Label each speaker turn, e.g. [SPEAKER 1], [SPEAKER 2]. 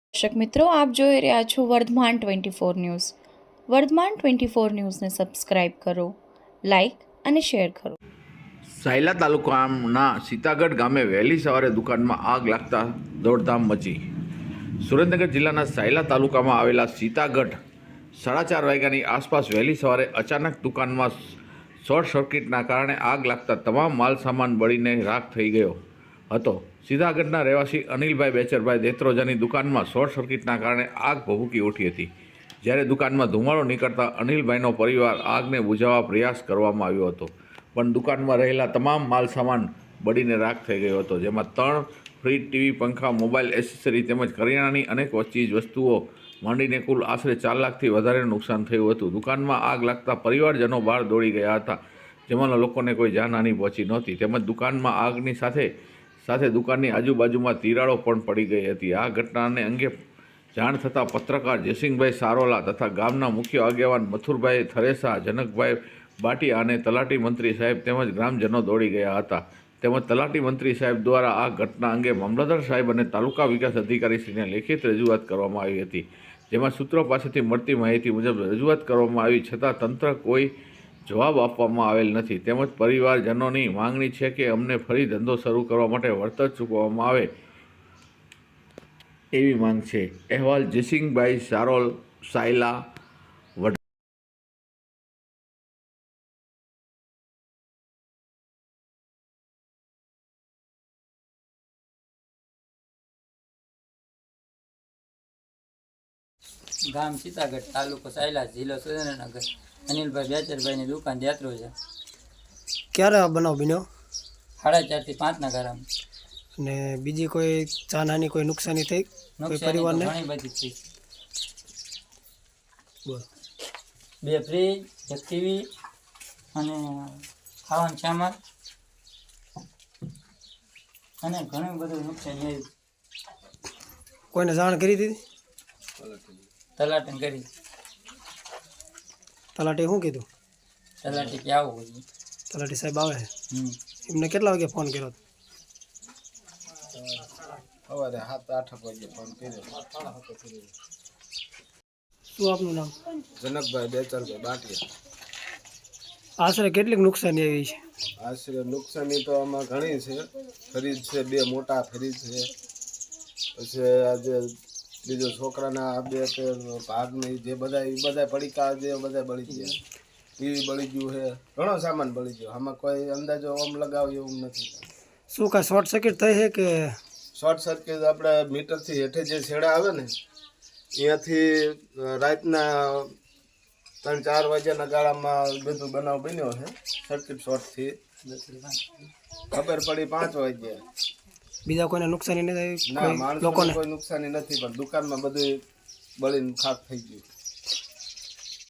[SPEAKER 1] દર્શક મિત્રો, આપ જોઈ રહ્યા છો વર્ધમાન 24 ન્યૂઝ. વર્ધમાન 24 ન્યૂઝને સબસ્ક્રાઇબ કરો, લાઇક અને શેર કરો.
[SPEAKER 2] સાયલા તાલુકાના સીતાગઢ ગામે વહેલી સવારે દુકાનમાં આગ લાગતા દોડધામ મચી. સુરેન્દ્રનગર જિલ્લાના સાયલા તાલુકામાં આવેલા સીતાગઢ 4:30 વાગ્યાની આસપાસ વહેલી સવારે અચાનક દુકાનમાં શોર્ટ સર્કિટના કારણે આગ લાગતા તમામ માલ સામાન બળીને રાખ થઈ ગયો હતો. સીતાગઢના રહેવાસી અનિલભાઈ બેચરભાઈ દેત્રોજાની દુકાનમાં શોર્ટ સર્કિટના કારણે આગ ભભૂકી ઉઠી હતી. જ્યારે દુકાનમાં ધુમાડો નીકળતા અનિલભાઈનો પરિવાર આગને બુઝાવવા પ્રયાસ કરવામાં આવ્યો હતો, પણ દુકાનમાં રહેલા તમામ માલ સામાન બળીને રાખ થઈ ગયો હતો, જેમાં 3 ફ્રીજ, ટીવી, પંખા, મોબાઈલ એસેસરી તેમજ કરિયાણાની અનેક ચીજ વસ્તુઓ માંડીને કુલ આશરે 4 લાખથી વધારેનું નુકસાન થયું હતું. દુકાનમાં આગ લાગતા પરિવારજનો બહાર દોડી ગયા હતા, જેમાંના લોકોને કોઈ જાનહાનિ પહોંચી નહોતી. તેમજ દુકાનમાં આગની સાથે દુકાનની આજુબાજુમાં તિરાડો પણ પડી ગઈ હતી. આ ઘટનાને અંગે જાણ થતાં પત્રકાર જયસિંહભાઈ સારોલા તથા ગામના મુખ્ય આગેવાન મથુરભાઈ થરેસા, જનકભાઈ બાટિયા અને તલાટી મંત્રી સાહેબ તેમજ ગ્રામજનો દોડી ગયા હતા. તેમજ તલાટી મંત્રી સાહેબ દ્વારા આ ઘટના અંગે મામલતદાર સાહેબ અને તાલુકા વિકાસ અધિકારીશ્રીને લેખિત રજૂઆત કરવામાં આવી હતી, જેમાં સૂત્રો પાસેથી મળતી માહિતી મુજબ રજૂઆત કરવામાં આવી છતાં તંત્ર કોઈ જવાબ આપવામાં આવેલ નથી. તેમજ પરિવારજનોની માંગણી છે કે અમને ફરી ધંધો શરૂ કરવા માટે વળતર ચૂકવવામાં આવે એવી માંગ છે. અહેવાલ જયસિંહભાઈ સારોલ, સાયલા.
[SPEAKER 3] ગામ સીતાગઢ, તાલુકો સાયલા, જિલ્લો સુરેન્દ્રનગર. અનિલભાઈ બેચરભાઈની દુકાન દેત્રોજા.
[SPEAKER 4] ક્યારે આ બનાવ બન્યો?
[SPEAKER 3] 4:30 થી 5 ગાળામાં.
[SPEAKER 4] અને બીજી કોઈ જાનહાની, કોઈ નુકસાની થઈ કોઈ પરિવારને?
[SPEAKER 3] ઘણી બધી થઈ.
[SPEAKER 4] બોલ.
[SPEAKER 3] 2 ફ્રીજ, 1 ટીવી અને ખાવાનું સામાન અને ઘણું બધું નુકસાન થયું.
[SPEAKER 4] કોઈને જાણ કરી દીધી?
[SPEAKER 3] તલાટીને કરી.
[SPEAKER 4] તલાટીએ શું કીધું?
[SPEAKER 3] તલાટી કે આવું બધું.
[SPEAKER 4] તલાટી સાહેબ આવે છે? એમને કેટલા વાગે ફોન કર્યો?
[SPEAKER 5] સવારે 7-8 વાગે ફોન કર્યો.
[SPEAKER 4] શું આપનું નામ?
[SPEAKER 5] જનકભાઈ બેચરભાઈ બાટિયા.
[SPEAKER 4] આશરે કેટલીક નુકસાની આવી છે?
[SPEAKER 5] આશરે નુકસાની તો આમાં ઘણી છે. ફ્રીજ છે, 2 મોટા ફ્રીજ છે, પછી આજે બીજો છોકરાના આ 2 ભાગની જે બધા પડીકા જે બધા બળી ગયા. ટીવી બળી ગયું છે, ઘણો સામાન બળી ગયો. આમાં કોઈ અંદાજો ઓમ લગાવે એવું નથી.
[SPEAKER 4] શું કાંઈ શોર્ટ સર્કિટ થઈ છે કે?
[SPEAKER 5] શોર્ટ સર્કિટ આપણે મીટરથી હેઠે જે છેડા આવે ને, અહીંયાથી રાતના 3-4 વાગ્યાના ગાળામાં બધું બનાવ બન્યો છે. સર્કિટ શોર્ટથી ખબર પડી 5 વાગ્યા.
[SPEAKER 4] બીજા કોઈને નુકસાની નથી?
[SPEAKER 5] ના, માણસોને કોઈ નુકસાની નથી, પણ દુકાનમાં બધું બળીને ખાક થઈ ગયું.